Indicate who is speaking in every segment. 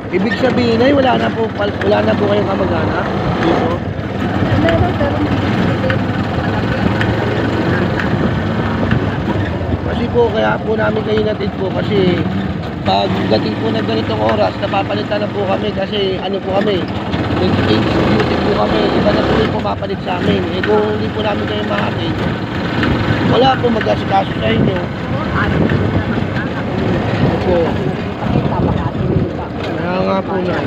Speaker 1: Ibig sabihin ay wala na po kayong kamag-anak dito.
Speaker 2: Meron, pero hindi
Speaker 1: Kasi po kaya po namin kayo natid po kasi pag dating po ng ganitong oras napapalitan na po kami kasi ano po kami nag-age duty po kami, iba na po yung pumapalit sa amin. Eh kung hindi po namin kayo makatid, wala po mag-asikaso sa inyo. Opo. Kaya nga po na.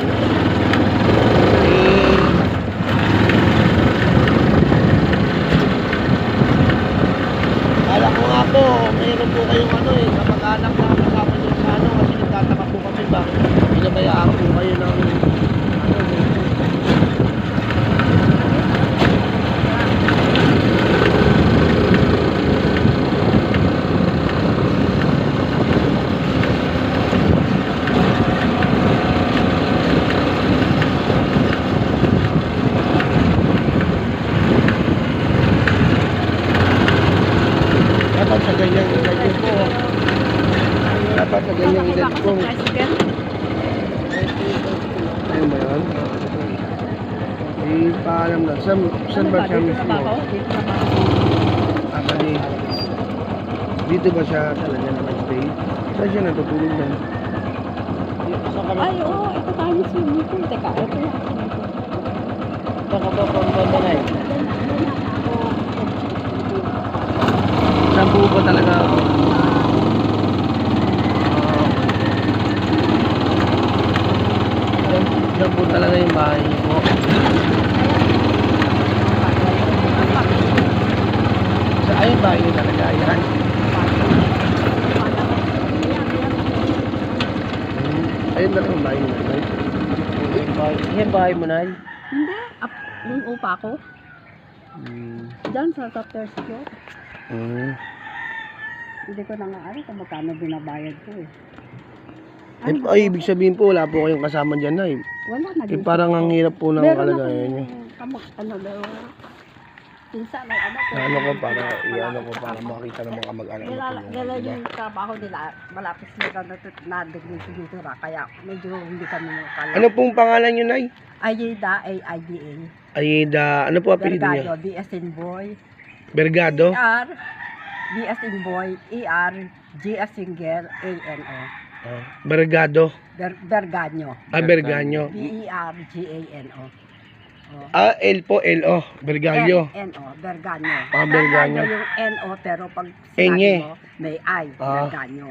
Speaker 1: Kala ko nga po, mayroon po kayong kamag-anak na kasama nyo sa kasi nagtataka po kami ba, pinabayaan po kayo ng dapat sa ganyang edad yun po. Dapat sa ganyang edad po. Ayun ba yun? Paalam na. Saan ba siya mismo? Akali. Dito ba siya talaga nakastay? Saan siya natutulog na?
Speaker 2: Ay, oo. Ito tayo swimming pool. Teka, ito yan.
Speaker 1: Saan ka ba pang-babanay? Saan po ba talaga ako? Saan po talaga yung bahay niyo po? Ayun bahay niyo talaga yan? Ayun talaga yung bahay niyo talaga? Yung bahay mo na?
Speaker 2: Hindi. Yung upa ko. Diyan sa top first floor. Hindi ko na nga alam kung magkano binabayad ko eh.
Speaker 1: Ay, ibig sabihin po, wala po kayong kasama dyan na
Speaker 2: Wala na din.
Speaker 1: parang ang hirap po ng kalagayan niyo.
Speaker 2: Pinsan may anak ko.
Speaker 1: Ano ko para makita ng mga kamag-anak mo.
Speaker 2: Nila yung trabaho nila, malapit sila na dito kaya medyo hindi kami makakala.
Speaker 1: Ano pong pangalan niyo, Nay?
Speaker 2: Ayida, A-I-D-A.
Speaker 1: Ayida, ano po apelido niya?
Speaker 2: Bergado, B as in boy.
Speaker 1: Bergado?
Speaker 2: E-R, B as in boy, E-R, G as in girl, A-N-O.
Speaker 1: Bergado?
Speaker 2: Berganyo.
Speaker 1: Berganyo.
Speaker 2: B-E-R-G-A-N-O.
Speaker 1: L po, L-O. Berganyo.
Speaker 2: N-O, Berganyo.
Speaker 1: Berganyo.
Speaker 2: Yung N-O, pero pag
Speaker 1: Enye.
Speaker 2: sinabi mo, may I, Berganyo.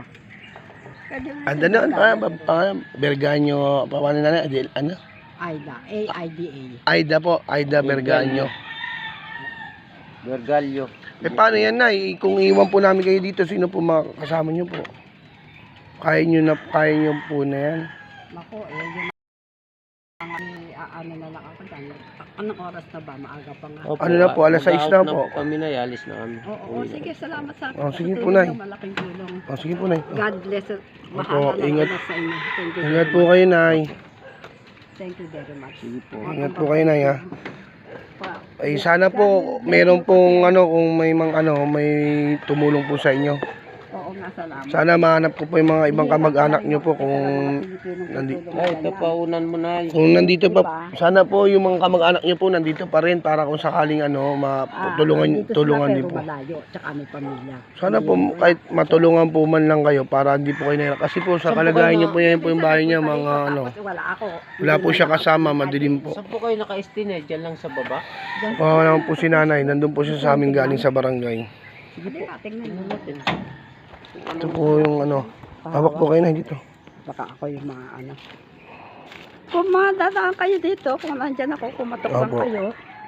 Speaker 1: Berganyo, paano na ano?
Speaker 2: Aida, A-I-D-A.
Speaker 1: Aida po, Aida Berganyo.
Speaker 3: Bergalyo.
Speaker 1: Paano yan, Nay? Kung iwan po namin kayo dito, sino po makakasama niyo po? Kaya niyo po na yan?
Speaker 2: Naku, yun ano na lang ako dyan. Anong oras na ba? Maaga pa nga.
Speaker 1: Ano na po, alas 6 na po.
Speaker 3: Kami na, alis na kami.
Speaker 2: Oo, sige, salamat sa
Speaker 1: sige po, Nay.
Speaker 2: malaking tulong.
Speaker 1: Sige po, Nay.
Speaker 2: God bless.
Speaker 1: Opo,
Speaker 2: Mahala
Speaker 1: ingat.
Speaker 2: na sa inyo. Thank you.
Speaker 1: Ingat po kayo, Nay.
Speaker 2: Thank you very much.
Speaker 3: Sige po.
Speaker 1: Ingat po kayo, Nay, ha. Ay sana po meron pong kung may may tumulong po sa inyo.
Speaker 2: Oo nga, salamat.
Speaker 1: Sana mahanap ko po yung mga ibang kamag-anak nyo po kung nandito.
Speaker 3: Ay, ito pa unan mo na.
Speaker 1: Kung nandito pa, sana po yung mga kamag-anak nyo po nandito pa rin para kung sakaling tulungan din po.
Speaker 2: Malayo, tsaka may pamilya.
Speaker 1: Sana po kahit matulungan po man lang kayo para hindi po kayo nahirap. Kasi po sa kalagayan nyo po yan po yung bahay niya mga
Speaker 2: Wala ako.
Speaker 1: wala po siya kasama, madilim po.
Speaker 3: Saan po kayo naka-estinate? Diyan lang sa baba?
Speaker 1: Wala naman po si nanay, nandun po siya sa amin galing sa barangay.
Speaker 2: Sige po, tingnan natin.
Speaker 1: Ito po yung hawak po kayo na dito.
Speaker 2: Baka ako yung mga Kung madadaan kayo dito, kung nandyan ako, kumatok lang kayo.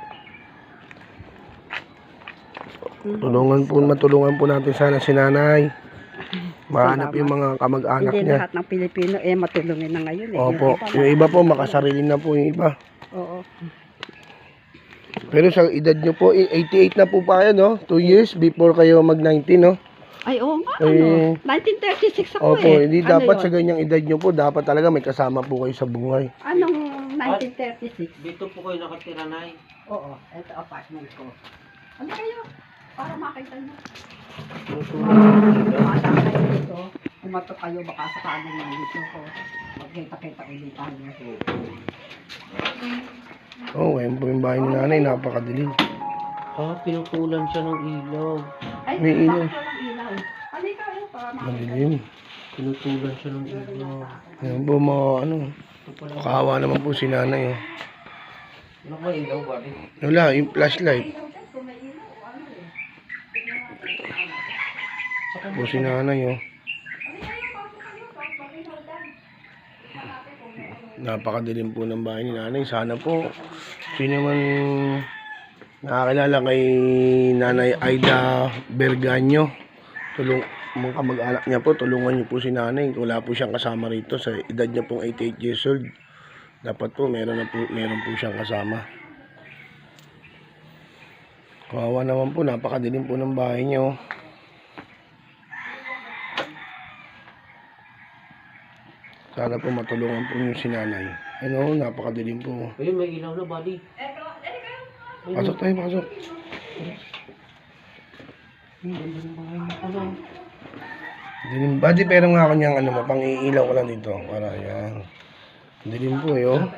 Speaker 1: Matulungan po natin sana si nanay. Mahanap yung mga kamag-anak
Speaker 2: Hindi
Speaker 1: niya.
Speaker 2: lahat ng Pilipino matulungin na ngayon.
Speaker 1: Opo, yung iba po makasarili na po yung iba.
Speaker 2: Oo.
Speaker 1: Pero sa edad nyo po, 88 na po pa kayo, no? 2 years before kayo mag-19, no?
Speaker 2: Ay, oo nga, 1936 ako
Speaker 1: Opo, hindi
Speaker 2: Ano
Speaker 1: dapat
Speaker 2: yun?
Speaker 1: sa ganyang edad nyo po, dapat talaga may kasama po kayo sa buhay.
Speaker 2: Anong 1936?
Speaker 3: Dito po kayo nakatira, Nay.
Speaker 2: Oo, ito apartment ko. Ano kayo? Para makita nyo. Mata kayo dito. kumatok kayo, baka sakaling nandito ko. Magkita-kita ulit tayo.
Speaker 1: Oh, ngayon po yung bahay ni nanay, napakadilim.
Speaker 3: Ah, pinutulan siya ng ilaw.
Speaker 2: Ay,
Speaker 1: May ilaw.
Speaker 2: bakit walang ilaw? Halika kayo para
Speaker 1: Madilim.
Speaker 3: Pinutulan siya ng ilaw.
Speaker 1: Ngayon po mga ano, kawawa naman po si nanay. Oh.
Speaker 3: Ano ba ilaw ba rin?
Speaker 1: Wala, yung flashlight. Po si nanay. Oh. Napakadilim po ng bahay ni nanay. Sana po, sino man nakakilala kay Nanay Aida Berganyo, mga kamag-anak niya po, tulungan niyo po si nanay. Wala po siyang kasama rito sa edad niya pong 88 years old. Dapat po meron po siyang kasama. Kawawa naman po, napakadilim po ng bahay niya. Oh. Sana po matulungan po niyo si nanay. Ano, napakadilim po.
Speaker 3: Ayun, may ilaw na, buddy.
Speaker 1: Pasok tayo, pasok. Dilim. Badi, pero nga ako niyang ano, pang-iilaw ko lang dito. Para yan. Dilim po eh, oh.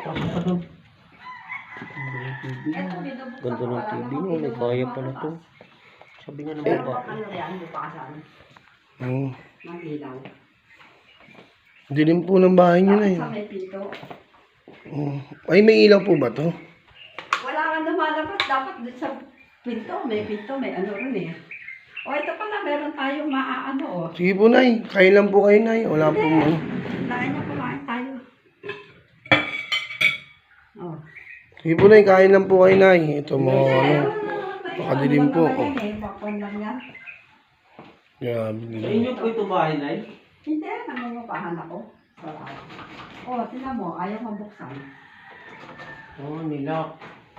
Speaker 3: Ganda ng TV mo, may kaya pa na to. Sabi nga ng baba.
Speaker 2: Ano yan, hindi pa kasama.
Speaker 1: Hmm.
Speaker 2: Ng ilaw.
Speaker 1: Dilim po ng bahay niyo na
Speaker 2: Sa
Speaker 1: yun.
Speaker 2: may pinto.
Speaker 1: Oh. Ay, may ilaw po ba to?
Speaker 2: Wala kang lumalabas. Dapat dun sa pinto, may ano rin eh. O ito pala, meron tayong maaano o.
Speaker 1: Sige po, nay. Kain lang po kayo, nay. Wala po ano.
Speaker 2: Lain na kumain tayo. Oh.
Speaker 1: Sige po, nay. Kain lang po kayo, nay. Ito mo, ano. Pakadilim po. Oh.
Speaker 2: Bakon lang yan.
Speaker 1: Grabe,
Speaker 3: Sa
Speaker 1: dilim.
Speaker 3: inyo po ito bahay, Nay?
Speaker 2: Hindi, nangungupahan ako. O, tingnan mo, ayaw mabuksan.
Speaker 3: Oo, nilak.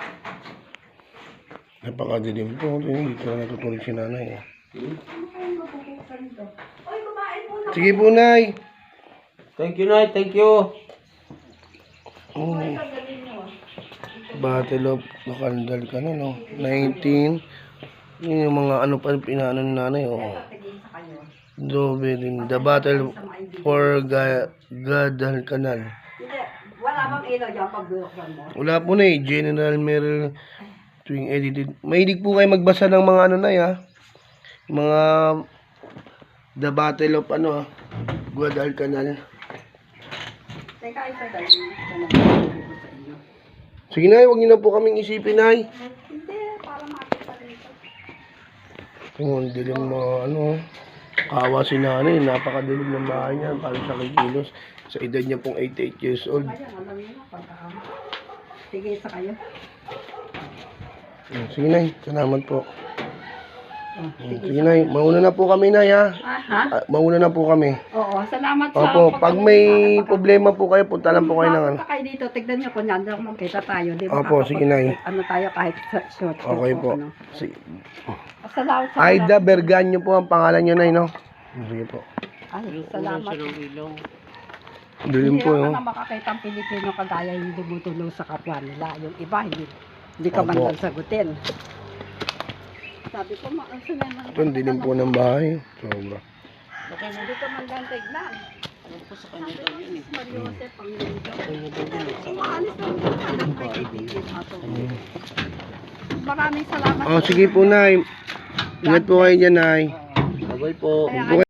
Speaker 1: Napakadilim po. Dito na natutulog si nanay.
Speaker 2: Ano kayong mabubuksan ito? Oy, kumain muna.
Speaker 1: Sige po, nay.
Speaker 3: Thank you, Nay. Thank you.
Speaker 1: Oh.
Speaker 2: Ay, tagalin mo.
Speaker 1: Battle of Nakandal ka na, no? 19. Yun yung mga ano pa pinaano ni nanay, oh.
Speaker 2: Tingin sa kayo.
Speaker 1: Dobe din. The Battle for Guadalcanal.
Speaker 2: Hindi, wala bang ilaw dyan pag binuksan mo?
Speaker 1: Wala po na eh. General Merrill tuwing edited. Mahilig po kayo magbasa ng mga ano na ya. Mga The Battle of ano, Guadalcanal.
Speaker 2: Teka, ito dahil ito na sa inyo.
Speaker 1: Sige na, huwag niyo na po kaming isipin, nay.
Speaker 2: Hindi, para makita rito.
Speaker 1: Yung dilim mo, ano, kawa si nanay, napakadilim ng bahay niya, parang sa kikilos. Sa edad niya pong 88 years old.
Speaker 2: Ayan, alam niyo na, pagka sige sa kayo.
Speaker 1: Sige, nay, salamat po.
Speaker 2: Sige.
Speaker 1: Sige, nay, mauna na po kami, nay, ha.
Speaker 2: Ha?
Speaker 1: Mauna na po kami.
Speaker 2: Oo, salamat sa
Speaker 1: Opo, pag may
Speaker 2: pagkapunta.
Speaker 1: problema po kayo, punta lang po kayo ng ano.
Speaker 2: Punta kayo dito, tignan niyo kung nandiyan magkita tayo. Di ba?
Speaker 1: Opo, sige, nay.
Speaker 2: Ano tayo kahit short.
Speaker 1: Okay po.
Speaker 2: Ano.
Speaker 1: Sige.
Speaker 2: Salamat sa
Speaker 1: Aida Berganyo po ang pangalan niyo, nay, no? Sige po.
Speaker 2: Ay,
Speaker 3: Pinutulan
Speaker 2: salamat.
Speaker 3: siya ng ilaw.
Speaker 1: Dilim po,
Speaker 2: Hindi
Speaker 1: no?
Speaker 2: na makakita ang Pilipino kagaya yung dumutulong sa kapwa nila. Yung iba, hindi ka man
Speaker 1: Opo.
Speaker 2: lang sagutin. Sabi ko, maansa naman.
Speaker 1: Ito, ang dilim po ng bahay. Sobra.
Speaker 2: Hindi ka man lang tignan.
Speaker 3: Ano po sa kanya daw yun eh.
Speaker 2: Mariosep, ang lindo.
Speaker 3: Kanya daw yun eh.
Speaker 2: Umaalis lang yung anak na kaibigan ato. Maraming salamat.
Speaker 1: Oh, sige po, nay. Ingat po kayo dyan, nay.
Speaker 3: Bye-bye po.
Speaker 2: Kaya